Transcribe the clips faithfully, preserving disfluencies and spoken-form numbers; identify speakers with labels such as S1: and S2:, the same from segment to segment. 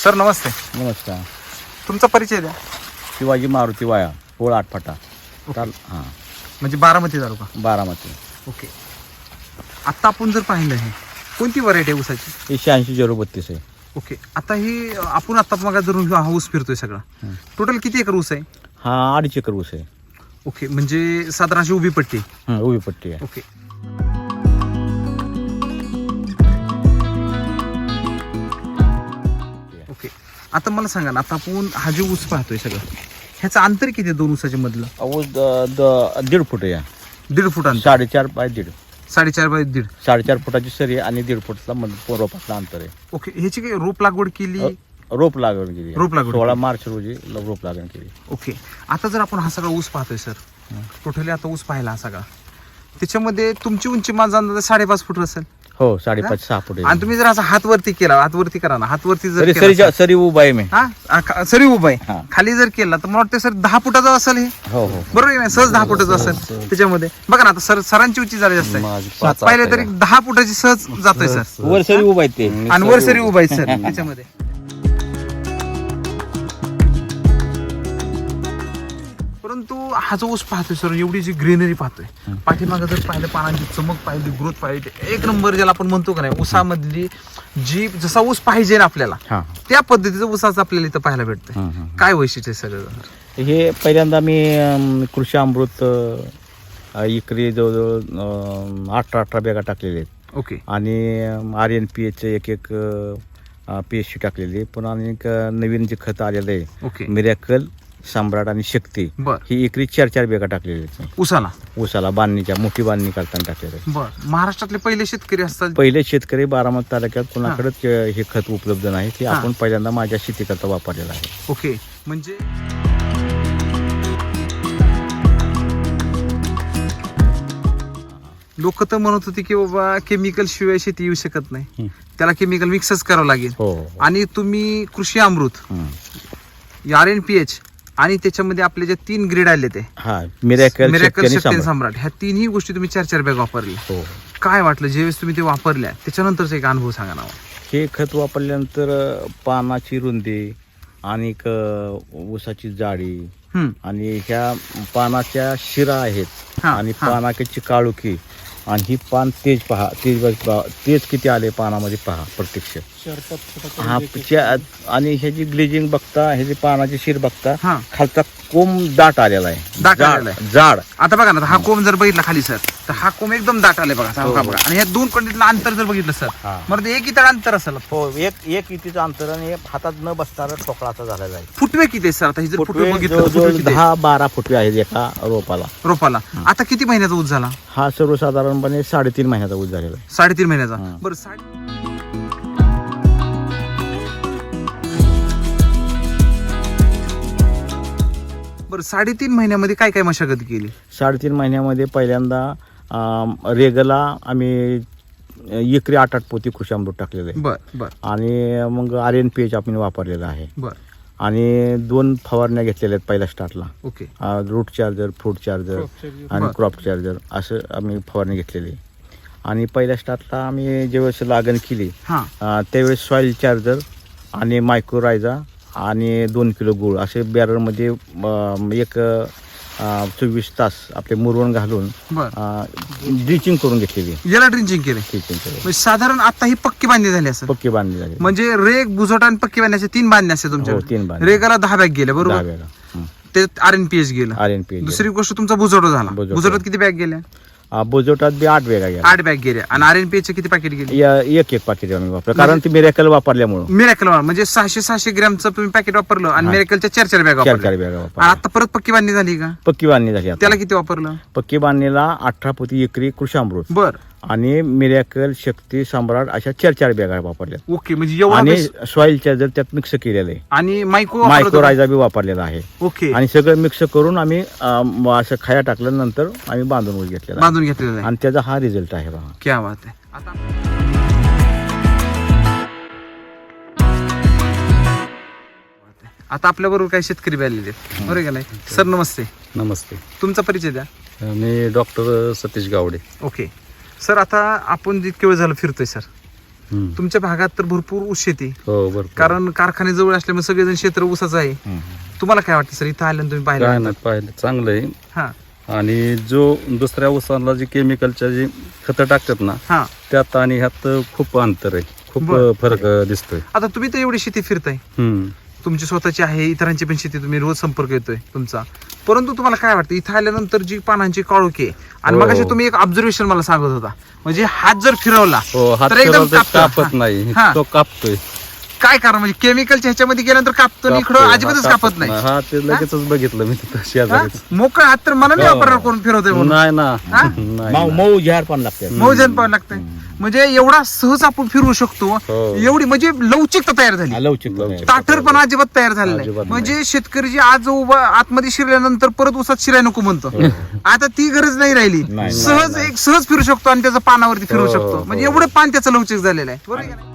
S1: Sir नमस्ते.
S2: नमस्कार.
S1: तुमचा परिचय द्या.
S2: शिवाजी मारुती वाया पोळ आठफाटा चाल हां
S1: म्हणजे बारामती तालुका.
S2: बारामती.
S1: ओके. आता आपण जर पाहिलं हे कोणती व्हरायटी आहे ऊसाची?
S2: हे शहाऐंशी झिरो बत्तीस आहे.
S1: ओके. आता ही आपण आता मग जर हा ऊस फिरतोय सगळा टोटल किती एकर ऊस आहे?
S2: हा अडीच एकर ऊस आहे.
S1: ओके. म्हणजे साधारण अशी उभी पट्टी.
S2: हं, उभी पट्टी आहे.
S1: ओके. ओके. आता मला सांगा ना, आता आपण हा जो ऊस पाहतोय सगळं ह्याचं अंतर किती आहे दोन ऊसाच्या मधलं?
S2: ऊस द- द- दीड फूट आहे.
S1: दीड फूट अंतर.
S2: साडेचार बाय दीड
S1: साडेचार बाय दीड.
S2: साडेचार फुटाची सरी आणि दीड फुटला मध- रोपातलं अंतर आहे.
S1: ओके. ह्याची काही रोप लागवड केली?
S2: रोप लागवड केली.
S1: रोप लागवड
S2: सोळा
S1: केली.
S2: मार्च रोजी ल- रोप लागवड केली.
S1: ओके. आता जर आपण हा सगळा ऊस पाहतोय सर, टोटली आता ऊस पाहिला हा सगळा, त्याच्यामध्ये तुमची उंची माझा अंदाज साडेपाच फूट असेल.
S2: हो साडेपाच सहा फूट आहे.
S1: आणि तुम्ही जर असा हात वरती केला, हात वरती करा ना, हात वरती जर
S2: सरी
S1: केला
S2: सरीच्या-
S1: सर,
S2: सरी उभा आहे मी.
S1: हा आ- खा- सरी उभा
S2: हा.
S1: आहे, खाली जर केला तर मला वाटतं सर दहा फुटाचा असेल हे.
S2: हो हो
S1: बरोबर आहे ना? सहज दहा फुटाचं असेल त्याच्यामध्ये. बघा ना, आता सर सरांची उंची झाली जास्त आहे, पाहिलं तरी दहा फुटाची सहज जातोय सर.
S2: वर सरी उभा आहे ते.
S1: आणि वर सरी उभा आहे सर त्याच्यामध्ये. परंतु हा जो ऊस पाहतोय सर, एवढी जी ग्रीनरी पाहतोय, पाठीमागं जर पाहिलं, पानांची चमक पाहिली, ग्रोथ पाहिली, एक नंबर ज्याला आपण म्हणतो का नाही, ऊसामधली जी जसा ऊस पाहिजे ना आपल्याला
S2: हां
S1: त्या पद्धतीचं ऊसाचं आपल्याला इथं पाहायला भेटतंय.
S2: हं, हं.
S1: काय वैशिष्ट्य आहे सगळं?
S2: हे पहिल्यांदा मी अम, कृषी अमृत अ, एकरी जवळजवळ अ, अठरा अठरा बॅगा टाकलेले आहेत.
S1: ओके.
S2: आणि आर एन पी एच एक एक पी एच सी टाकलेली. पुन्हा आणि एक अ, नवीन जे खत आलेलं आहे
S1: ओके.
S2: मिरॅकल, सम्राट आणि शक्ती,
S1: बर.
S2: ही एकरी चार चार बॅगा टाकलेली आहेत.
S1: ऊसाला
S2: ऊसाला बांधणीच्या मोठी बांधणी करताना टाकलेलं आहे.
S1: बर. महाराष्ट्रातले पहिले शेतकरी असतात.
S2: पहिले शेतकरी बारामती तालुक्यात कुणाकडेच अ, हे खत उपलब्ध नाही. ते
S1: हां.
S2: आपण पहिल्यांदा माझ्या शेतीकरता वापरलेलं आहे.
S1: ओके. म्हणजे लोक तर म्हणत होते की बाबा केमिकल शिवाय शेती येऊ शकत नाही,
S2: हं.
S1: त्याला केमिकल मिक्सच करावं लागेल.
S2: हो हो.
S1: आणि तुम्ही कृषी अमृत,
S2: हं.
S1: आर एन पी एच आणि त्याच्यामध्ये आपले जे तीन ग्रेड आले ते
S2: हा मिरॅकल,
S1: मिरॅकल,
S2: शक्ती आणि
S1: शक्ती आणि
S2: सम्राट.
S1: सम्राट, ह्या तिन्ही गोष्टी तुम्ही चार चार बॅग वापरल्या.
S2: हो.
S1: काय वाटलं ज्यावेळेस तुम्ही ते वापरल्या त्याच्यानंतरचा एक अनुभव सांगा ना.
S2: हे खत वापरल्यानंतर अ, पानाची रुंदी आणि एक, अ, ऊसाची जाडी
S1: हम्म.
S2: आणि ह्या पानाच्या शिरा आहेत
S1: हा,
S2: आणि
S1: हा.
S2: पानाची काळुकी आणि ही पान तेज पहा, तेज पहा, तेज किती आले पानामध्ये पहा प्रत्यक्ष. हा च्या- आणि ह्याची ग्लेजिंग बघता, ह्याची पानाची शिर बघता,
S1: हा.
S2: खालचा कोंब दाट आलेला आहे.
S1: दाट
S2: जाड-
S1: आलेला आहे.
S2: जाड.
S1: आता बघा ना, हा कोंब जर बघितला खाली सर, तर हा कोंब एकदम दाट आलाय बघा.
S2: हो,
S1: बघा
S2: हो.
S1: बघा. आणि ह्या दोन कंडीतलं अंतर जर बघितलं सर,
S2: हा.
S1: मग ते एक इतर अंतर असेल.
S2: हो. एक एक इतीचं अंतर आणि हातात न बसणारा ठोकळाचा झालेला आहे.
S1: फुटवे किती आहे सर? आता ही जर फुटवे
S2: फुटवे
S1: बघितलं,
S2: जवळजवळ
S1: फुटवे किती आहे?
S2: दहा बारा फुटवे आहेत एका रोपाला.
S1: रोपाला. आता किती महिन्याचा ऊस झाला?
S2: हा सर्वसाधारणपणे साडेतीन महिन्याचा ऊस झालेला आहे.
S1: साडेतीन महिन्याचा.
S2: हा.
S1: बरं. साडे बरं साडेतीन महिन्यामध्ये काय काय मशागत केली?
S2: साडेतीन महिन्यामध्ये पहिल्यांदा अं, रेगला आम्ही एकरी आठ आठ पोती कृषी अमृत टाकलेलं आहे.
S1: बर बर
S2: आणि मग आर एन पी एच आपण वापरलेलं आहे.
S1: बर.
S2: आणि दोन फवारण्या घेतलेल्या आहेत पहिल्या स्टार्टला.
S1: Okay.
S2: Root charger, fruit charger आणि
S1: बरं.
S2: क्रॉप चार्जर असं आम्ही फवारणी घेतलेली. आणि पहिल्या स्टार्टला आम्ही ज्यावेळेस लागण केली
S1: हा.
S2: अं, त्यावेळेस सॉईल चार्जर आणि मायक्रोरायझा आणि दोन किलो गूळ असे बॅरलमध्ये अं, एक अं, चोवीस तास आपले मुरवण घालून
S1: बर.
S2: ड्रिचिंग करून घेतलेली.
S1: याला ड्रिंचिंग केले.
S2: ड्रिचिंग करून
S1: म्हणजे साधारण आता ही पक्की बांधणी झाली असं.
S2: पक्की बांधली झाली.
S1: म्हणजे रेग, बुजोटा आणि पक्की बांधण्याचे तीन बांधणे असते
S2: हो,
S1: तुमच्या.
S2: तीन बांधणी.
S1: रेगाला दहा बॅग गेल्या
S2: दहा
S1: बरोबर.
S2: बॅगा.
S1: ते आर एन पी एच गेलं.
S2: आर एन पी
S1: दुसरी गोष्ट तुमचा बुजोटा झाला.
S2: बुजोटा.
S1: बुजोटात किती बॅग गेल्या?
S2: बोजोटात बी आठ बॅगा गेल्या.
S1: आठ बॅग गेल्या. आणि आर एन पी एच किती पॅकेट गेली?
S2: या- एक एक पाकिट आम्ही वापरलं कारण ती मिरॅकल वापरल्यामुळं.
S1: मिरॅकल म्हणजे सहाशे सहाशे ग्रॅमचं तुम्ही पॅकेट वापरलं आणि
S2: हा.
S1: मिरॅकलच्या चार चार बॅग
S2: चार चार
S1: वापरल्या.
S2: बॅगा
S1: आणि
S2: वापरल्या.
S1: आता परत पक्की बांधणी झाली का?
S2: पक्की बांधणी झाली आता.
S1: त्याला किती वापरलं?
S2: पक्की बांधणीला अठरा पोती एकरी कृषी अमृत
S1: बर.
S2: आणि मिरॅकल, शक्ती, सम्राट अशा चार चार बॅगा वापरल्या.
S1: ओके. म्हणजे एवढा
S2: आणि
S1: बेस-
S2: सॉइल चार्जर त्यात मिक्स केलेलं आहे.
S1: आणि मायको वापरत होता?
S2: मायक्रोरायझा बी वापरलेला आहे.
S1: ओके.
S2: आणि सगळं मिक्स करून आम्ही अं, असं खाया टाकल्यानंतर आम्ही बांधून ऊस घेतलेला आहे.
S1: बांधून घेतलेलं आहे.
S2: आणि त्याचा हा रिझल्ट आहे बघा.
S1: क्या बात आहे. आता आता आपल्या बरोबर काही शेतकरी बी आलेले आहेत, बरोबर का नाही सर? नमस्ते.
S3: नमस्ते.
S1: तुमचा परिचय द्या.
S3: मी doctor Satish Gawade.
S1: Okay. Sir आता आपण जितके वेळ झालं फिरतोय सर,
S2: हम्म.
S1: तुमच्या भागात तर भरपूर ऊस शेती,
S2: हो बरोबर.
S1: कारण कारखाने जवळ असल्यामुळे सगळेजण क्षेत्र ऊसाचं आहे.
S2: हम्म.
S1: तुम्हाला काय वाटतं सर, इथं आल्यानं तुम्ही
S2: काय
S1: पाहिलं?
S2: नाही पाहिलं चांगलं आहे.
S1: हा
S2: आणि जो दुसऱ्या ऊसाला जे केमिकलच्या जी खतं टाकतात ना
S1: हा
S2: त्यात आणि ह्यात खूप अंतर आहे, खूप
S1: बरं.
S2: फरक दिसतोय.
S1: आता तुम्ही तर एवढी शेती फिरताय,
S2: हम्म.
S1: तुमची स्वतःची आहे, इतरांची पण शेती, तुम्ही रोज संपर्क येतोय तुमचा, परंतु तुम्हाला काय वाटतं इथं आल्यानंतर जी पानांची काळोखी आहे, आणि
S2: हो.
S1: मग तुम्ही एक ऑब्झर्वेशन मला सांगत होता, म्हणजे हात जर फिरवला
S2: हो हात
S1: तर एकदम
S2: फिरवला तर
S1: कापतं.
S2: कापत नाही,
S1: हा.
S2: तो कापतोय.
S1: काय कारण, म्हणजे केमिकलच्या ह्याच्यामध्ये गेल्यानंतर कापतो आणि इकडं
S2: कापतोय.
S1: अजिबातच
S2: हा,
S1: कापत नाही.
S2: हा ते लगेचच बघितलं मी तिथं
S1: हा?
S2: शेजारीच.
S1: मोकळा हात तर मला नाही
S2: हो.
S1: वापरणार कोण फिरवतोय म्हणून.
S2: नाही ना
S1: हा?
S2: नाही
S3: मऊ
S2: ना.
S3: मऊ झाड पण लागते.
S1: मौजन पाहावं लागतंय, म्हणजे एवढा सहज आपण फिरवू शकतो,
S2: हो.
S1: एवडी म्हणजे लवचिकता तयार झाली,
S3: लवचिक
S2: लवचिक.
S1: ताठर पण अजिबात तयार झालं नाही.
S2: अजिबात नाही.
S1: म्हणजे शेतकरी जे आज उभा आतमध्ये शिरल्यानंतर परत उसात शिराय नको म्हणतो, आता ती गरज नाही राहिली.
S3: नाही,
S1: सहज
S2: नाही,
S1: एक सहज फिरू शकतो आणि त्याचं पानावरती फिरू
S2: हो,
S1: शकतो,
S2: हो.
S1: म्हणजे एवढं पान त्याचं लवचिक झालेलं आहे. बरोबर आहे का नाही?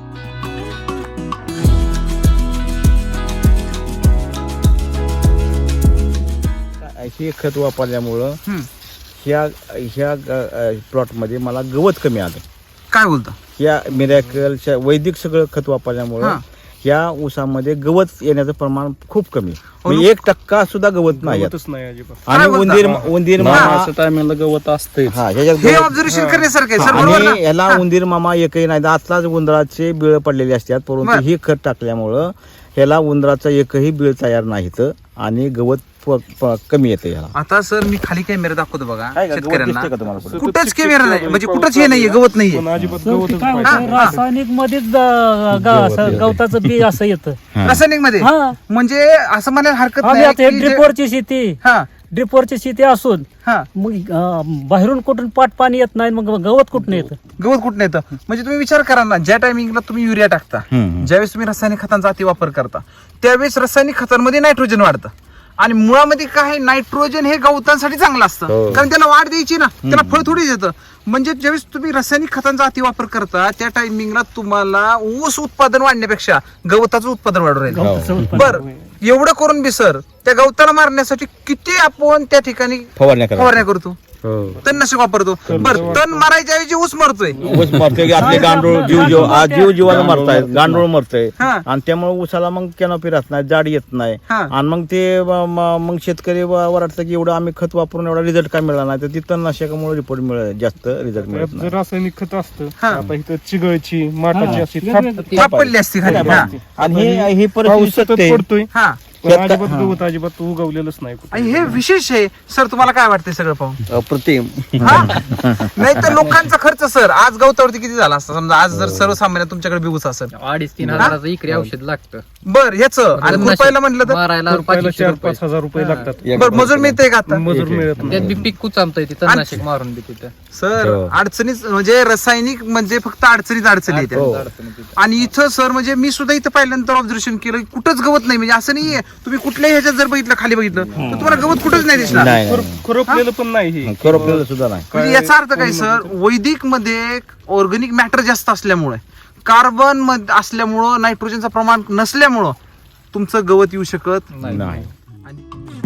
S2: हे खत वापरल्यामुळं
S1: हम्म.
S2: ह्या ह्या प्लॉटमध्ये मला गवत कमी आलं.
S1: काय बोलतो?
S2: या मिरॅकलच्या वैदिक सगळं खत वापरल्यामुळं
S1: हा.
S2: ह्या ऊसामध्ये गवत येण्याचं प्रमाण खूप कमी,
S1: अरे.
S2: म्हणजे एक टक्का सुद्धा गवत नाही यात.
S4: नाही अजिबात.
S2: आणि
S1: काय बोलता?
S2: उंदीर उंदीर मामा
S4: असं टायमिंगला गवत असतंय.
S2: हा ह्याच्यात
S1: हे
S2: गवत-
S1: ऑब्झर्वेशन करण्यासारखं आहे सर, बरोबर
S2: आणि
S1: ना?
S2: याला
S1: हा.
S2: उंदीर मामा एकही नाही, आताच उंदराचे बिळ पडलेले असतात, परंतु
S1: बर.
S2: ही खत टाकल्यामुळं ह्याला उंदराचा एकही बिळ तयार नाहीत आणि गवत प- प- कमी येते ह्याला.
S1: आता सर मी खाली कॅमेरा दाखवतो बघा
S2: काय का, गवत
S1: शेतकऱ्यांना,
S2: दिसतंय का तुम्हाला पुढे?
S1: कुठंच कॅमेरा नाही, म्हणजे कुठंच हे नाहीये, गवत नाहीये.
S4: पण अजिबात
S5: शेवटी
S4: गवतच
S5: काय
S4: पाहिजे.
S5: होतं,
S1: हा.
S5: रासायनिक मध्येच ग- ग- असं गवताचं बी असं येतं.
S2: हा.
S1: रासायनिक मध्ये
S5: हा.
S1: म्हणजे असं म्हणायला हरकत
S5: आम्ही
S1: नाही
S5: आता
S1: की जे-
S5: ड्रिपवरची शेती
S1: हा
S5: ड्रिपवरची शेती असून
S1: हा
S5: मग अं, बाहेरून कुठून पाट पाणी येत नाही, मग गवत कुठून येतं?
S1: गवत कुठं येतं? म्हणजे तुम्ही विचार करा ना, ज्या टायमिंगला तुम्ही युरिया टाकता,
S2: हम्म.
S1: ज्यावेळेस तुम्ही रासायनिक खतांचा अति वापर करता, त्यावेळेस रासायनिक खतांमध्ये नायट्रोजन वाढतं, आणि मुळामध्ये काय आहे, नायट्रोजन हे गवतांसाठी चांगलं असतं,
S2: हो.
S1: कारण त्याला वाढ द्यायची ना, त्याला फळ थोडीच येतं. म्हणजे ज्यावेळेस तुम्ही रासायनिक खतांचा अति वापर करता, त्या टायमिंगला तुम्हाला ऊस उत्पादन वाढण्यापेक्षा गवताचं उत्पादन वाढू राहील.
S5: गवताचं उत्पन्न.
S1: बर, एवढं करून बी सर त्या गवताला मारण्यासाठी किती आपण त्या ठिकाणी
S2: फवारण्या करा.
S1: फवारण्या करतो,
S2: हो.
S1: तणनाशक वापरतो. बर, तण मारायच्या ऐवजी ऊस मरतोय.
S2: ऊस मरतोय की आपले गांडूळ जीव जीव आज जीव जीवाला मरतायत, गांडूळ मरतय,
S1: हा.
S2: आणि त्यामुळे ऊसाला मग कॅनोपी राहत नाही, जाड येत नाही,
S1: हा.
S2: आणि मग ते म- म- मग शेतकरी व- वाटतं की एवढं आम्ही खत वापरून एवढा रिझल्ट काय मिळाला नाही, तर ती तणनाशकामुळे रिपोर्ट मिळत जास्त रिझल्ट मिळत
S4: त्यात
S2: नाही.
S4: जर रासायनिक खत असतं
S1: हा.
S4: आता इथं चिगळची माठाची
S5: हा.
S4: अशी
S5: वेगवेगळी
S4: थाप-
S1: थाप पडली असती खाली. हा.
S2: आणि हे ही
S4: पाऊस
S2: परिस्थिती
S4: सतत
S2: सत्य आहे.
S4: पडतोय
S1: हा.
S4: पण
S2: त्यात-
S4: अजिबात
S2: हा.
S4: गवत अजिबात उगवलेलंच नाही कुठं.
S1: आणि हे विशेष आहे सर, तुम्हाला काय वाटतंय सगळं पाहून?
S2: अप्रतिम.
S1: हा? नाही तर लोकांचा खर्च सर आज गवतावरती किती झाला असता, समजा आज जर सर्वसामान्य तुमच्याकडे बिबूच असेल,
S6: अडीच तीन हजाराचं इकरी औषध लागतं
S1: बर ह्याच आणि
S6: तणनाशक
S1: खुरपायला म्हटलं तर
S6: मारायला
S4: पहिला
S6: पाचशे
S4: चार
S6: रुपये.
S4: पाच हजार रुपये लागतात
S2: एक
S1: बर, मजूर मिळतंय का आता?
S4: मजूर मिळत
S6: त्यात
S4: नाही
S6: बी पीक कुचामतंय ते तणनाशक मारून बी तिथं
S1: सर
S2: हो.
S1: अडचणीच म्हणजे रासायनिक म्हणजे फक्त अडचणीत अडचणी येतात.
S2: हो.
S6: अडचणी तिथं.
S1: आणि इथं सर म्हणजे मी सुद्धा इथं पाहिल्यानंतर ऑब्झर्वेशन केलं की कुठंच गवत नाही, म्हणजे असं नाहीये तुम्ही कुठल्याही ह्याच्यात जर बघितलं खाली बघितलं तर तुम्हाला गवत कुठंच नाही दिसणार.
S2: नाही
S4: खुर- खुरपलेलं पण नाही हे
S2: खरोपलेलं सुद्धा नाही.
S1: म्हणजे याचा अर्थ काय सर, वैदिक मध्ये ऑर्गॅनिक मॅटर जास्त असल्यामुळे, कार्बन मध्ये असल्यामुळं, नायट्रोजनचं प्रमाण नसल्यामुळं तुमचं गवत येऊ शकत
S6: नाही.
S2: नाही.
S1: आणि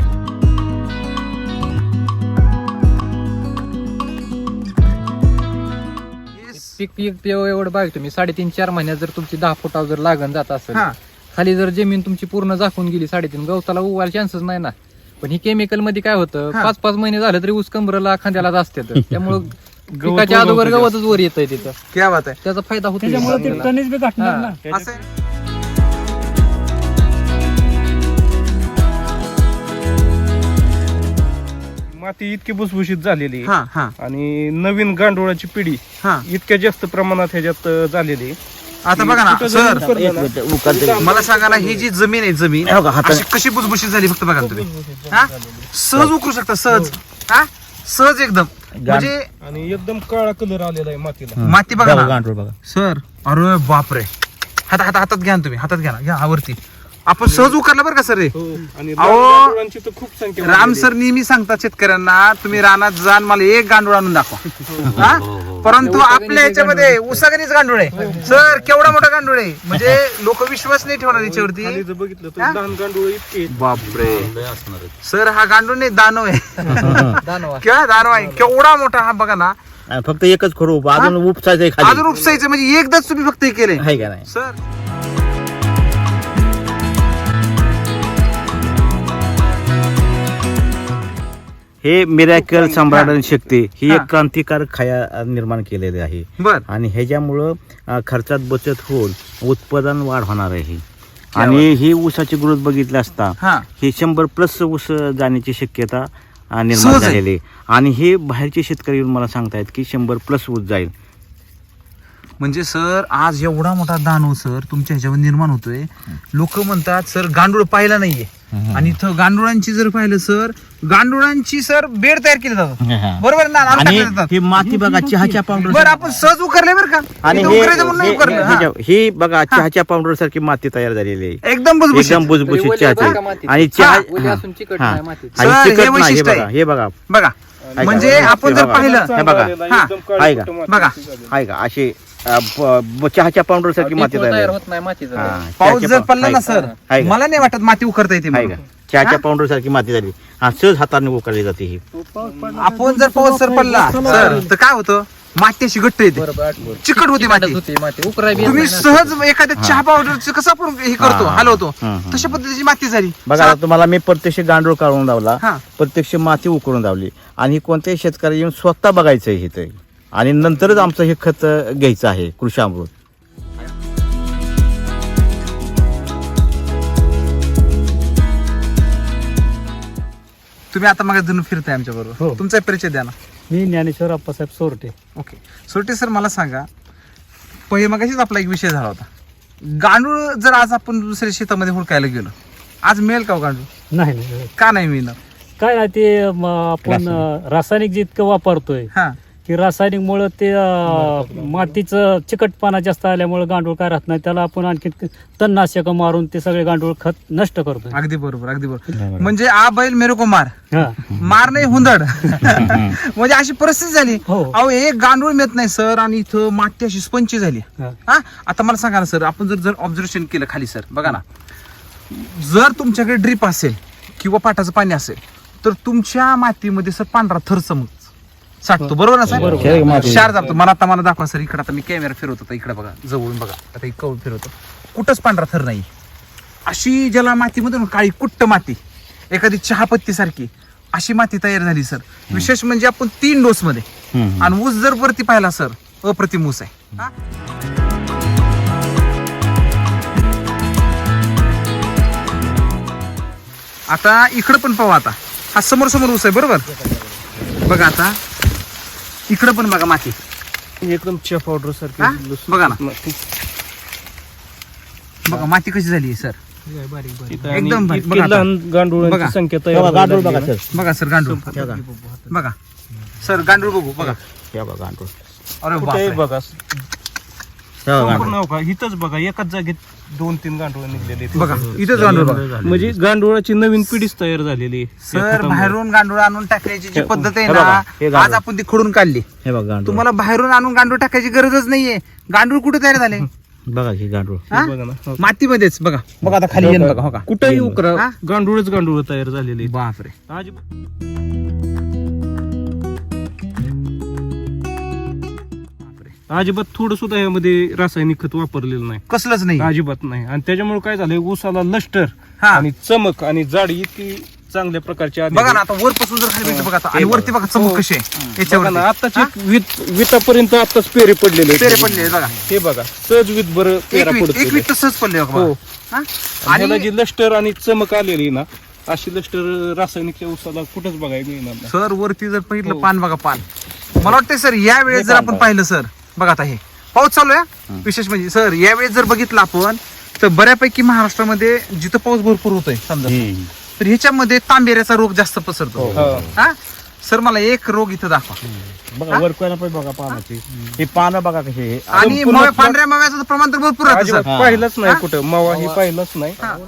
S6: पीक पीक ते एवढं बघ तुम्ही साडेतीन चार महिन्यात जर तुमची दहा फुटावर जर लागण जात असेल,
S1: हा.
S6: खाली जर जमीन तुमची पूर्ण झाकून गेली साडेतीन, गवताला उगायला चान्सच नाही ना. पण ही केमिकल मध्ये काय होतं,
S1: हा.
S6: पाच पाच महिने झालं तरी ऊस कंबरला खांद्याला असतात, त्यामुळं
S4: गवत
S6: पिकाच्या अगोदर
S4: उगवतं
S6: गवतच वर येतंय तिथं,
S1: क्या बात आहे.
S6: त्याचा फायदा होतो
S5: त्याच्यामुळे ते
S6: आपल्याला.
S5: टनेज बी घटणार
S6: हा.
S5: ना.
S1: असं आहे.
S4: माती इतकी भुसभुशीत झालेली आहे.
S1: हा हा
S4: आणि नवीन गांडोळाची पिढी
S1: हा.
S4: इतक्या जास्त प्रमाणात ह्याच्यात अं, झालेली आहे.
S1: आता बघा ना
S4: कुठं
S1: सर,
S4: जमीन करतो
S2: एक
S4: ना,
S2: मिनिट, उकळते.
S1: मला सांगा ना, ही जी जमीन आहे जमीन
S2: हे बघा, हाताने-
S1: अशी कशी बुजबुशीत झाली फक्त बघा ना तुम्ही. हा सहज उकरू शकता, सहज. हा सहज एकदम, म्हणजे
S4: आणि एकदम काळा कलर आलेला आहे मातीला.
S1: माती बघा
S2: बघा,
S1: ना
S2: गांडूळ बघा.
S1: सर. अरे बापरे, हात हात हातात घ्या ना तुम्ही, हातात घ्या ना, घ्या आवरती. आपण सहज उकरला बरं का सर रे.
S4: हो. आणि
S1: अहो,
S4: गांडोळांची तर खूप संख्या
S1: राम
S4: वाढलेली
S1: सर नेहमी सांगतात शेतकऱ्यांना, तुम्ही रानात जाण मला एक गांडूळ आणून दाखवा. हा? परंतु आपल्या ह्याच्यामध्ये उसागणीच गांडूळ आहे सर, केवढा मोठा गांडूळ आहे, म्हणजे लोक विश्वास नाही ठेवणार
S4: आहे.
S1: याच्यावरती.
S4: खाली जर बघितलं तर
S1: हा?
S4: लहान गांडोळ इतके आहेत.
S1: बापरे सर, हा गांडूळ नाही दानव आहे.
S6: दानवा.
S1: किंवा दानव आहे, केवढा मोठा हा बघा ना.
S2: आणि फक्त एकच खरं उप अजून उपसायचं
S1: अजून
S2: खाली
S1: उपसायचं म्हणजे एकदाच तुम्ही फक्त हे केलंय
S2: आहे का नाही
S1: सर.
S2: हे मिरॅकल सम्राट शक्ती ही
S1: हा.
S2: एक क्रांतिकारक खाया निर्माण केलेली आहे
S1: बर
S2: आणि ह्याच्यामुळं अं, खर्चात बचत होऊन उत्पादन वाढ होणार आहे आणि ही ऊसाची ग्रोथ बघितली असता
S1: हा
S2: हे शंभर प्लस ऊस जाण्याची शक्यता अं, निर्माण
S1: सहज आहे.
S2: झालेली आहे. आणि हे बाहेरचे शेतकरी येऊन मला सांगतायत की शंभर प्लस ऊस जाईल.
S1: म्हणजे सर आज एवढा मोठा दानव सर तुमच्या ह्याच्यावर निर्माण होतोय. लोक म्हणतात सर गांडूळ पाहिला नाहीये आणि इथं गांडुळांची जर पाहिलं सर गांडुळांची सर बेड तयार केले जातात बरोबर ना नारळ
S2: आणि
S1: टाकले जातात.
S2: ही माती बघा चहाच्या पावडर
S1: बरं आपण सहज उकरले बरं का
S2: आणि
S1: इथं
S2: हे-
S1: उकरायचं म्हणून नाही
S2: हे-
S1: उकरलं हा.
S2: हे- ही बघा चहाच्या पावडर सारखी माती तयार झालेली आहे
S1: एकदम बुजबुजीत.
S2: एकदम बुजबुजीत
S6: ओली बघा
S2: चहाची
S6: मातीत.
S2: आणि चहा
S1: हा,
S6: ओली
S2: हा,
S6: असून चिकट
S2: हा.
S6: नाही मातीत.
S2: आणि
S1: सर, हे
S2: चिकट नाही हे
S1: वैशिष्ट्य
S2: बघा
S1: आहे.
S2: हे बघा
S1: बघा म्हणजे
S2: ऐका.
S1: आपण जर
S2: बघा.
S1: पाहिलं
S2: हे बघा.
S1: हा.
S2: आहे का?
S1: बघा.
S2: आहे का अशी अ, ब- ब- चहाच्या पावडर सारखी माती
S6: डिंपल
S2: तयार
S6: तयार
S2: आहे.
S6: होत नाही मातीचा
S2: हा,
S1: पाऊस
S2: चहाच्या
S1: जर
S2: पाव-
S1: पडला ना
S2: आहे
S1: सर
S2: का? आहे का?
S1: मला नाही वाटत माती उकरता येते
S2: आहे
S1: म्हणून.
S2: का? चहाच्या पावडर सारखी माती झाली हा सहज हाताने उकरली जाते ही
S1: आपण जर पाऊस सर पडला सर तर काय होतं माती अशी घट्ट येते
S6: बरोबर आठवण.
S1: चिकट होती माती.
S6: होती माती उकराय बी
S1: तुम्ही
S6: येत नाही
S1: सहज एखाद्या चहा पावडरचं कसं आपण हे करतो
S2: हा.
S1: हलवतो
S2: हं, हं.
S1: तशा पद्धतीची माती झाली
S2: बघा आता तुम्हाला मी प्रत्यक्ष गांडूळ काढून लावला
S1: हा.
S2: प्रत्यक्ष माती उकरून लावली आणि कोणत्याही शेतकरी येऊन स्वतः बघायचं आहे इथे आणि नंतरच आमचं हे खत घ्यायचं आहे कृषी अमृत.
S1: तुम्ही आता मग धरून फिरताय आमच्या बरोबर
S5: हो.
S1: तुमचा परिचय द्या ना.
S5: मी ज्ञानेश्वर अप्पासाहेब सोरटे.
S1: ओके सोटे सर मला सांगा पहिले मगाशीच आपला एक विषय झाला होता गांडूळ जर आज आपण दुसऱ्या शेतामध्ये हुडकायला गेलो आज मिळेल का हो गांडूळ
S5: नाही नाही
S1: का नाही मिळणार
S5: काय आहे ते म, आपण अं, रासायनिक जितकं वापरतोय
S1: हा
S5: की रासायनिक मुळे ते अं, मातीचं चिकटपणा जास्त आल्यामुळे गांडूळ काय राहत नाही त्याला आपण आणखी तणनाशक मारून ते सगळे गांडूळ खत नष्ट करतोय.
S1: अगदी बरोबर अगदी बरोबर म्हणजे आ बैल मेरे को मार
S5: हा.
S1: मार नाही हुंदड म्हणजे अशी परिस्थिती झाली
S5: हो.
S1: अहो एक गांडूळ मिळत नाही सर आणि इथं माती अशी स्पंची झाली
S5: हा.
S1: हा आता मला सांगा ना सर आपण जर जर ऑब्झर्वेशन केलं खाली सर बघा ना जर तुमच्याकडे ड्रीप असेल किंवा पाटाचं पाणी असेल तर तुमच्या मातीमध्ये सर पांढरा थर चमक साठतो बरोबर ना
S2: बरोबर.
S1: सर क्षार जातो मला आता मला दाखवा सर इकडे आता मी कॅमेरा फिरवतो आता इकडे बघा जवळून बघा आता इकडे फिरवतो कुठंच पांढरा थर नाही अशी ज्याला मातीमध्ये ना काळी कुट्ट माती एखादी चहापत्ती सारखी अशी माती तयार झाली सर विशेष म्हणजे आपण तीन डोस मध्ये
S2: हम्म.
S1: आणि ऊस जर वरती पाहिला सर अप्रतिम ऊस आहे हा? आता इकडं पण पाहू आता हा समोर समोर ऊस आहे बरोबर बघा आता इकडं पण बघा माती
S4: एकदम चहा पावडर
S1: हा?
S4: सारखी
S1: बघा ना बघा माती कशी झाली सर एकदम भारी. बघा आता.
S4: लहान
S1: बघा.
S4: गांडुळांची संख्या
S2: हे बघा,
S4: तयार
S2: गांडूळ
S4: झालेली
S2: बघा
S4: आहे.
S2: सर
S1: बघा सर गांडूळ
S2: हे बघा.
S1: बघा सर गांडूळ बघू बघा
S2: हे बघा गांडूळ
S1: अरे
S4: कुठेही
S1: बापरे.
S4: बघा
S2: हे बघा
S4: संपूर्ण
S2: गांडूळ.
S4: हो का इथंच बघा एकाच जागेत दोन तीन गांडूळ निघलेले आहेत.
S1: बघा इथेच गांडूळ बघा
S4: म्हणजे गांडुळाची नवीन पिढीच तयार झालेली आहे. या
S1: सर
S4: खतामुळे.
S1: बाहेरून गांडूळ आणून टाकण्याची जी पद्धत आहे
S2: हे बघा,
S1: ना
S2: हे गांडूळ.
S1: आज आपण ती खोडून काढली
S2: हे बघा गांडूळ
S1: तुम्हाला बाहेरून आणून गांडूळ टाकायची गरजच नाहीये गांडूळ कुठे तयार झाले
S2: बघा हे गांडूळ
S1: हा?
S4: बघा ना हो.
S1: मातीमध्येच बघा बघा आता खाली येऊन बघा हो का
S4: कुठेही उकरा
S1: हा?
S4: गांडूळच गांडूळ तयार झालेली आहेत.
S1: बापरे
S4: आज अजिबात थोडं सुद्धा यामध्ये रासायनिक खत वापरलेलं नाही
S1: कसलंच नाही
S4: अजिबात नाही आणि त्याच्यामुळे काय झालंय ऊसाला लष्टर
S1: हा.
S4: आणि चमक आणि जाडी इतकी चांगल्या प्रकारची आली
S1: बघा ना
S4: आहे.
S1: आता वरपासून जर खाली बघितलं बघा आता आणि
S2: हे
S1: वरती बघा चमक
S4: हो.
S1: कशी आहे
S4: बघा ना
S1: याच्यावर
S4: आताच वित वितापर्यंत आताच पेरे पडलेले आहेत.
S1: पेरे पडले बघा
S4: हे बघा सहज वित बरं
S1: एक
S4: पेरा
S1: वीट
S4: पडतो
S1: एक वीट तसंच पडले बघा
S4: हो.
S1: हा?
S4: आणि
S1: आणि
S4: जी लष्टर आणि चमक आलेली ना अशी लष्टर रासायनिकच्या ऊसाला कुठंच बघायला मिळणार नाही.
S1: सर वरती जर बघितलं
S4: हो.
S1: पान बघा पान मला वाटतं सर या वेळेस जर आपण पाहिलं सर बघा आता हे पाऊस चालू आहे विशेष म्हणजे सर या वेळेस जर बघितलं आपण तर बऱ्यापैकी महाराष्ट्रामध्ये जिथं पाऊस भरपूर होतोय समजा
S2: हम्म.
S1: तर ह्याच्यामध्ये तांबेऱ्याचा रोग जास्त पसरतो
S4: हो.
S1: हा सर मला एक रोग इथं दाखवा
S2: बघा वरकोयला पण बघा पानाची ही पानं बघा कशी आहे.
S1: आणि
S4: संपूर्ण
S1: मव्या- पांढऱ्या मव्याचं प्रमाण तर भरपूर राहतं
S4: अजिबात
S1: सर
S2: हा.
S4: पाहिलंच नाही
S1: हा?
S4: कुठं मावा ही पाहिलंच नाही
S1: हा.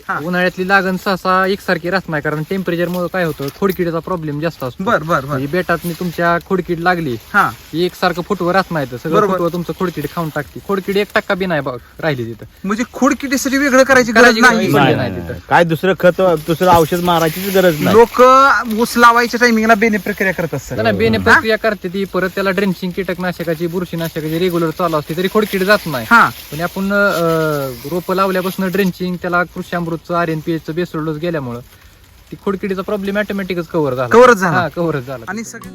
S1: हा.
S6: उन्हाळ्यातली लागण सहसा एकसारखी राहत नाही, कारण टेम्परेचर मुळे काय होतं, खोडकिडीचा प्रॉब्लेम जास्त असतो.
S1: बर बर बर
S6: म्हणजे बेटात तुमच्या खोडकीड लागली
S1: हा
S6: की एकसारखं फुटवं राहत नाही, तर सगळं
S1: बरोबर.
S6: फुटवं तुमचं खोडकीड खाऊन टाकते. खोडकीड एक टक्का बी नाही बघ राहिली तिथं.
S1: म्हणजे खोडकिडीसाठी वेगळं करायची गरज
S6: करायची
S1: नाही.
S6: गरज
S2: नाही,
S6: नाही
S2: नाही,
S6: तिथं.
S2: नाही. काय दुसरं खत दुसरं औषध मारायचीच गरज नाही.
S1: लोक ऊस लावायच्या टायमिंगला बेने प्रक्रिया करत असतात.
S6: त्याला बेने प्रक्रिया करते ती, परत त्याला ड्रेंचिंग कीटकनाशकाची बुरशीनाशकाची रेग्युलर चालू असते, तरी खोडकीड जात नाही.
S1: हा
S6: पण आपण रोप लावल्यापासून ड्रेंचिंग, त्याला कृषी अमृतचं आर एन पी एच बेसोड डोस गेल्यामुळं ती खोडकिडीचा प्रॉब्लेम ऑटोमॅटिकच कव्हर झाला.
S1: कव्हरच झाला.
S6: हा कव्हरच झाला.
S1: आणि सगळं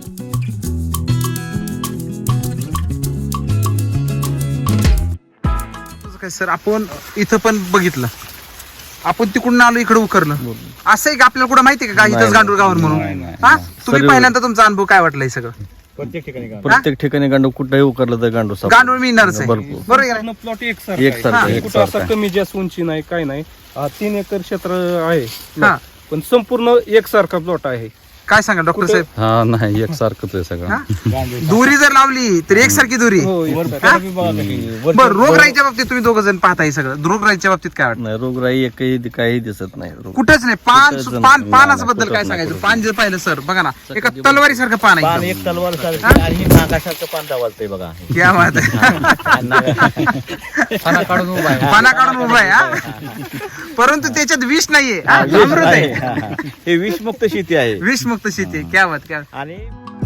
S1: तुझं काय सर, आपण इथं पण बघितलं, आपण तिकडून आलो इकडे उकरलं, असं आहे का आपल्याला कुठं माहिती आहे का
S2: नाही,
S1: इथंच गांडूळ गावर म्हणून?
S2: नाही, नाही,
S1: हा
S2: नाही.
S1: तुम्ही
S2: सर्व-
S1: पहिल्यांदा तुमचा अनुभव काय वाटला हे सगळं?
S2: प्रत्येक ठिकाणी गांडूळ कुठेही उकरलं तर गांडूळ सापडतं.
S1: गांडूळ मिळणारच आहे,
S2: भरपूर.
S1: बरोबर आहे का नाही?
S4: प्लॉट
S2: एकसारखं
S4: एकसारखा
S2: आहे,
S4: आहे. कुठं
S2: एकसारखं
S4: असा
S2: आहे.
S4: कमी जास्त उंची नाही, काय नाही. हा, तीन एकर क्षेत्र आहे
S1: हा.
S4: पण संपूर्ण एकसारखा प्लॉट आहे.
S1: काय सांगा डॉक्टर साहेब?
S3: हा नाही एकसारखंच आहे सगळं.
S1: हा? दोरी जर लावली तर एकसारखी दोरी.
S4: हो
S1: बर रोगराईच्या बाबतीत तुम्ही दोघ जण पाहताय सगळं, रोगराईच्या बाबतीत काय वाटतं?
S2: नाही, रोगराई एकही काही दिसत नाही. रोग-
S1: कुठंच नाही. पान
S2: कुठंच
S1: पान
S2: नाही,
S1: पानाचं
S2: नाही,
S1: बद्दल
S2: कुठंच
S1: काय
S2: नाही,
S1: सांगायचं?
S2: कुठंच
S1: पान जर पाहिलं सर बघा ना, एका तलवारी सारखं पान
S2: पान
S1: आहे.
S2: एक तलवार सारखं आणि नागासारखं पान दावालतंय बघा.
S1: क्या बात आहे.
S6: पाना काढून उभा आहे.
S1: पाना काढून उभा आहे हा. परंतु त्याच्यात विष नाहीये हा, अमृत आहे.
S2: हे विषमुक्त शेती आहे.
S1: विषमुक्त शेती आहे. क्या बात क्या बात.
S2: आणि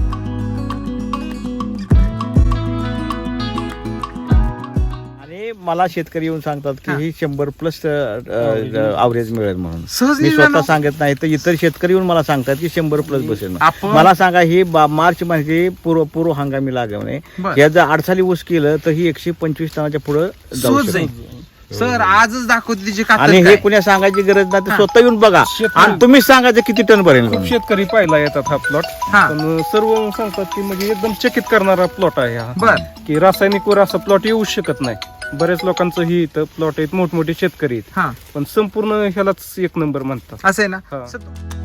S2: आणि मला शेतकरी येऊन सांगतात की
S1: हा.
S2: ही शंभर प्लस अवरेज मिळेल म्हणून.
S1: सहज
S2: मी
S1: निघालं.
S2: स्वतः सांगत नाही तर इतर शेतकरी येऊन मला सांगतात की शंभर प्लस बसेल म्हणून.
S1: आपण-
S2: मला सांगा ही बा- मार्च मध्ये पूर्व पूर्व हंगामी लागवणे
S1: बरं.
S2: या जर आडसाली ऊस केलं तर ही एकशे पंचवीस टनाच्या पुढे जाऊ
S1: सहज
S2: शकते.
S1: जाईल. सर आजच दाखवते तिची
S2: आणि
S1: कातड
S2: हे
S1: काय.
S2: कुण्या सांगायची गरज नाही, तर
S1: हा.
S2: स्वतः येऊन बघा
S4: शेतकरी-
S2: आणि तुम्हीच सांगायचं किती टन भरेल
S4: खूप
S2: म्हणून.
S4: शेतकरी पाहिला येतात हा प्लॉट,
S1: हा.
S4: पण सर्व सांगतात की म्हणजे एकदम चकित करणारा प्लॉट आहे हा.
S1: बर
S4: की रासायनिकवर असा प्लॉट येऊ शकत नाही. बऱ्याच लोकांचं ही इथं प्लॉट आहेत, मोठमोठे शेतकरी आहेत,
S1: हा
S4: पण संपूर्ण ह्यालाच एक नंबर म्हणतात.
S1: असं आहे ना.
S4: हा.
S1: सर,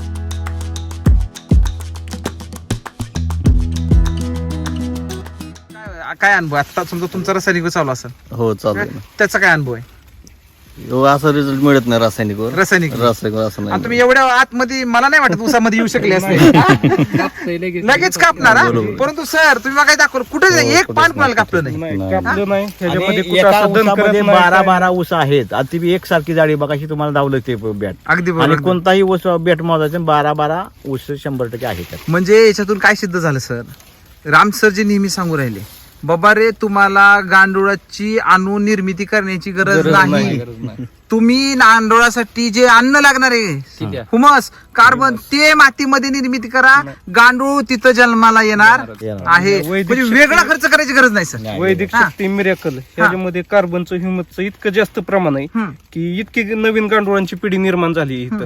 S1: काय काय अनुभव आता समजा तुमचा रासायनिक चालू असेल,
S3: हो चालू आहे ना.
S1: त्याचा काय अनुभव आहे
S3: हो, असा रिझल्ट मिळत नाही रासायनिकवर.
S1: रासायनिक?
S3: रासायनिक असं
S1: आणि
S3: नाही
S1: तुम्ही एवढ्या आतमध्ये मला नाही वाटत उसामध्ये येऊ शकले असते.
S6: कापतंय लगेच.
S1: लगेच कापणार हा?
S3: बरोबर.
S1: परंतु सर तुम्ही मला काय दाखवलं कुठे
S3: हो,
S1: एक
S3: कुठंच
S1: पान कुणाला
S3: नाही.
S1: कापलं नाही.
S4: नाही
S3: नाही.
S4: कापलं नाही
S2: आणि
S4: ह्याच्यामध्ये कुठं
S2: एका
S4: असं दण करत
S2: ऊसामध्ये
S4: नाही,
S2: बारा
S4: काय
S2: बारा ऊस आहेत आणि ती बी एकसारखी जाडी बघाशी तुम्हाला दावलं ते बॅट.
S1: अगदी
S2: आणि
S1: बरोबर.
S2: कोणताही ऊस बॅट मोजायचं बारा बारा ऊस शंभर टक्के आहे त्यात.
S1: म्हणजे याच्यातून काय सिद्ध झालं सर, राम सर जे नेहमी सांगू राहिले, बाबा रे तुम्हाला गांडुळाची अणु निर्मिती करण्याची गरज
S6: गरज नाही,
S1: नाही.
S6: गरज नाही.
S1: तुम्ही गांडुळासाठी जे अन्न लागणार आहे,
S6: ठीक आहे.
S1: हुमस कार्बन, ते मातीमध्ये निर्मिती करा. गांडूळ तिथं जन्माला येणार
S2: येणार.
S1: आहे.
S4: वैदिक
S1: म्हणजे
S4: शक्ती-
S1: वेगळा खर्च करायची गरज नाही सर.
S4: वैदिक
S1: हा.
S4: शक्ती मिरॅकल ह्याच्यामध्ये कार्बनचं ह्युमसचं इतकं जास्त प्रमाण आहे
S1: हम्म.
S4: की इतकी नवीन गांडुळांची पिढी निर्माण झाली इथं.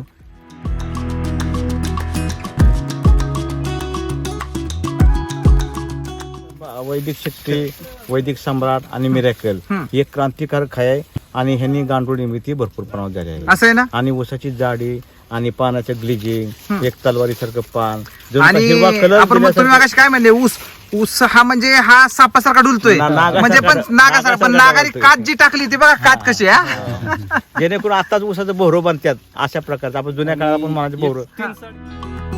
S2: वैदिक शक्ती, वैदिक सम्राट आणि मिरॅकल
S1: हम्म.
S2: ही एक क्रांतिकारक आहे आणि ह्यांनी गांडूळ निर्मिती भरपूर प्रमाणात झाली आहे.
S1: असं आहे ना.
S2: आणि ऊसाची जाडी आणि पानाचं ग्लिजिंग, एक तलवारी सारखं पान, जणू
S1: आणि
S2: काही हिरवा कलर
S1: आपण मग तुम्ही
S2: दिल्यासारखं-
S1: मागाशी काय म्हणले, ऊस ऊस हा म्हणजे हा सापासारखा डुलतोय,
S2: ना- नागासारखा-
S1: म्हणजे पण नागासारखा, पण
S2: नागासारखा
S1: नागारी
S2: डुलतोय.
S1: कात जी टाकली ती बघा कात कशी आहे, हा?
S2: जेणेकरून आताच ऊसाचं बोहरं बांधतात अशा प्रकारचं. आपण जुन्या काळात पण म्हणायचं बोहरं.
S4: तीन साडी-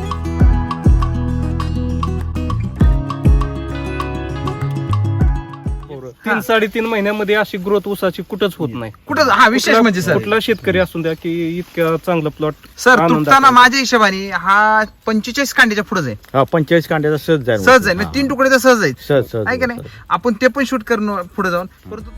S4: तीन साडेतीन महिन्यामध्ये अशी ग्रोथ ऊसाची कुठंच होत नाही.
S1: कुठं हा विशेष
S4: कुठला-
S1: म्हणजे सर
S4: कुठला शेतकरी असून द्या की इतक्या चांगलं प्लॉट
S1: सर तुटताना माझ्या हिशोबाने हा पंचेचाळीस कांड्याच्या पुढे जाईल,
S2: हा, पंचेचाळीस कांड्याचा सहज जाईल.
S1: सहज जाईल, म्हणजे तीन तुकडे तर सहज जाईल,
S2: सहज सहज
S1: आहे का नाही. आपण ते पण शूट करणं पुढे जाऊन. परंतु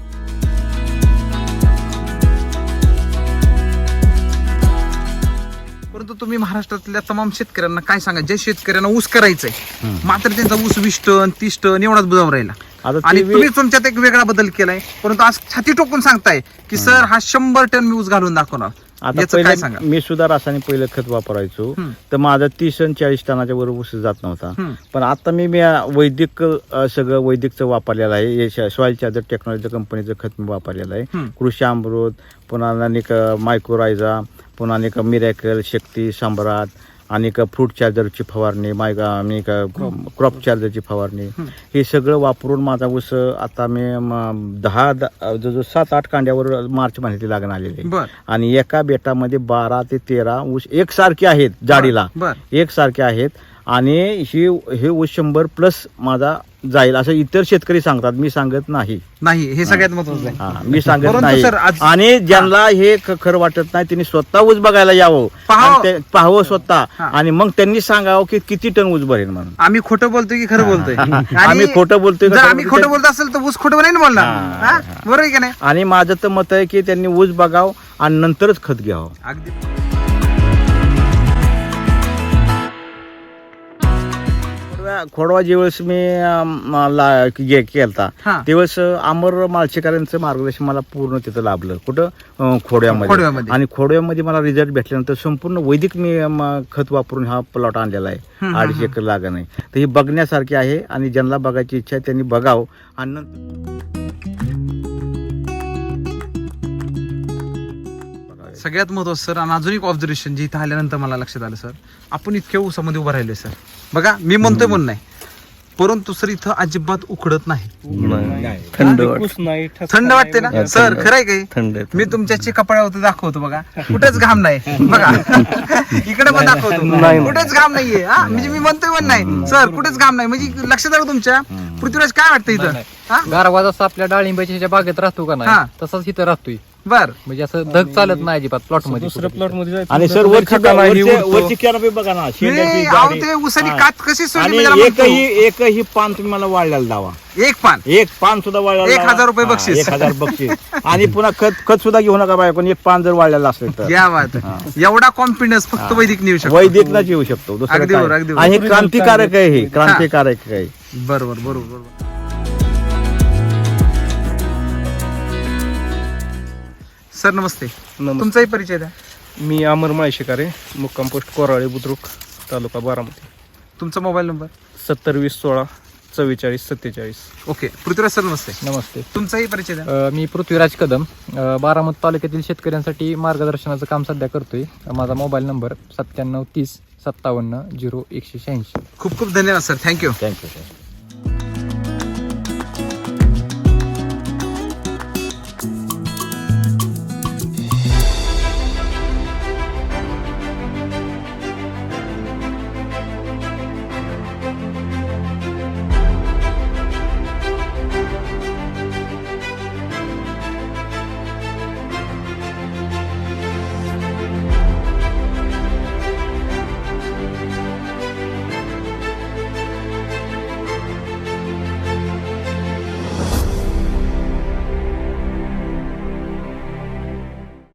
S1: परंतु तुम्ही महाराष्ट्रातल्या तमाम शेतकऱ्यांना काय सांगा, ज्या शेतकऱ्यांना ऊस करायचंय मात्र त्यांचा ऊस वीस टन तीस टन एवढाच बुजावर राहिला,
S2: आता ते
S1: आणि
S2: वे-
S1: तुम्ही तुमच्यात एक वेगळा बदल केलाय, परंतु आज छाती टोकून सांगताय की सर हा शंभर टन मी ऊस घालून दाखवणार.
S2: आता
S1: याचं काय
S2: पहिले
S1: सांगा?
S2: मी सुद्धा रासायनिक पहिलं खत वापरायचो
S1: हम्म.
S2: तर माझा तीस आणि चाळीस टनाच्या वर ऊस जात नव्हता.
S1: हम्म.
S2: पण आता मी मी वैदिक अ, सगळं वैदिकचं वापरलेलं आहे. सॉइल चार्जर टेक्नॉलॉजी कंपनीचं खत मी वापरलेलं आहे.
S1: हम्म.
S2: कृषी अमृत, पुन्हा अनेक मायक्रोरायझा, पुन्हा अनेक मिरॅकल, शक्ती, सम्राट आणि का फ्रूट चार्जरची फवारणी माय का आणि का क्रॉप चार्जरची फवारणी हे सगळं वापरून माझा ऊस आता मी म, दहा द- जवळजवळ सात आठ कांड्यावर मार्च महिन्यात लागण आलेली आहे.
S1: बर
S2: आणि एका बेटामध्ये बारा ते तेरा ऊस एकसारखे आहेत जाडीला
S1: बर
S2: एकसारखे आहेत आणि ही हे ऊस शंभर प्लस माझा जाईल असं इतर शेतकरी सांगतात, मी सांगत नाही.
S1: नाही हे सगळ्यात महत्वाचं आहे.
S2: हा, मी सांगत
S1: परंतु
S2: नाही.
S1: सर, आज-
S2: आणि ज्यांना हे ख- खरं वाटत नाही त्यांनी स्वतः ऊस बघायला यावं,
S1: पाहावं.
S2: आणि ते- पाहावं स्वतः
S1: हा.
S2: आणि मग त्यांनी सांगावं की किती टन ऊस भरेल म्हणून.
S1: आम्ही खोटं बोलतोय की खरं बोलतोय? आणि
S2: आम्ही खोटं बोलतोय का
S1: जर
S2: खरं
S1: आम्ही
S2: बोलतोय?
S1: खोटं बोलत असेल तर ऊस खोटं नाही ना बोलणार.
S2: हा,
S1: हा? बरोबर आहे का नाही?
S2: आणि माझं तर मत आहे की त्यांनी ऊस बघावं आणि नंतरच खत घ्यावं.
S1: अगदी
S2: खोडवा- खोडवा ज्यावेळेस मी अं, ला- हे केलता
S1: हा.
S2: त्यावेळेस अमर माळशेकरांचं मार्गदर्शन मला पूर्ण तिथं लाभलं. कुठं अं, खोडव्यामध्ये.
S1: खोडव्यामध्ये.
S2: आणि खोडव्यामध्ये मला रिझल्ट भेटल्यानंतर संपूर्ण वैदिक मी अं, खत वापरून हा प्लॉट आणलेला आहे.
S1: हम्म,
S2: अडीचशे एकर लागण आहे. तर ही बघण्यासारखी आहे आणि ज्यांना बघायची इच्छा आहे त्यांनी बघावं आणि नंतर
S1: सगळ्यात महत्वाचं सर, आणि अजून एक ऑब्झर्वेशन जे इथं आल्यानंतर मला लक्षात आलं सर, आपण इतक्या ऊसामध्ये उभं राहिलोय सर. बघा मी म्हणतोय म्हणून नाही, परंतु सर इथं अजिबात उकडत नाही.
S3: थंड वाट
S4: ऊस नाही ठसका
S1: थंड
S4: नाही,
S1: वाटते ना
S3: हा,
S1: सर?
S3: थंड.
S1: खरंय काही?
S3: थंड आहे.
S1: मी तुमच्या कपड्यावरती दाखवतो बघा, कुठेच घाम नाही बघा. इकडे पण दाखवतो, कुठेच घाम नाहीये. हा म्हणजे मी म्हणतोय पण नाही सर, कुठेच घाम नाही. म्हणजे लक्षात आलं तुमच्या? पृथ्वीराज काय वाटतं इथं? हा
S6: गारवा जसा आपल्या डाळिंबाच्या ह्याच्या बागेत राहतो का
S1: हा.
S6: नाही तसाच इथं राहतोय.
S1: बर
S6: म्हणजे असं धग चालत नाही अजिबात प्लॉट मध्ये
S4: दुसऱ्या प्लॉट मध्ये जायचं
S2: आणि
S4: तर
S2: सर
S4: तो
S2: वरची
S4: खताना ही
S2: वरची-
S4: उडतो.
S2: वरची कॅनोपी बघा ना, शेंड्याची
S1: नाही, अहो
S2: जाडी.
S1: ते ऊसाची
S2: हा.
S1: कात कशी सोडली
S2: आणि
S1: मी त्याला म्हणतो.
S2: एकही एकही पान तुम्ही मला वाढल्याला दावा.
S1: एक पान
S2: एक पान सुद्धा वाढलेलं
S1: एक
S2: लावा.
S1: हजार रुपये
S2: हा,
S1: बक्षीस.
S2: एक हजार बक्षीस. आणि पुन्हा खत खत सुद्धा घेऊ नका बाय, पण एक पान जर वाढलेलं असेल तर
S1: या बात आहे. एवढा कॉन्फिडन्स फक्त वैदिक नेऊ शकतो.
S2: वैदिकलाच येऊ शकतो. दुसरं
S1: अगदी
S2: काय.
S1: बरोबर, अगदी बरोबर.
S2: आणि हे क्रांतिकारक आहे, हे क्रांतिकारक आहे.
S1: बरोबर बरोबर बरोबर. सर नमस्ते,
S4: नमस्ते.
S1: तुमचाही परिचय द्या.
S4: मी अमर माळशेकर आहे, मुक्काम पोस्ट कोराळे बुद्रुक, तालुका बारामती.
S1: तुमचा मोबाईल नंबर.
S4: सत्तर वीस सोळा चव्वेचाळीस सत्तेचाळीस.
S1: ओके, पृथ्वीराज सर नमस्ते,
S6: नमस्ते.
S1: तुमचाही परिचय द्या.
S6: अ, मी पृथ्वीराज कदम, अ, बारामती तालुक्यातील शेतकऱ्यांसाठी मार्गदर्शनाचं काम सध्या करतोय. माझा मोबाईल नंबर सत्त्याण्णव तीस सत्तावन्न झिरो एकशे शहाऐंशी.
S1: खूप खूप धन्यवाद सर, थँक्यू.
S2: Thank you sir.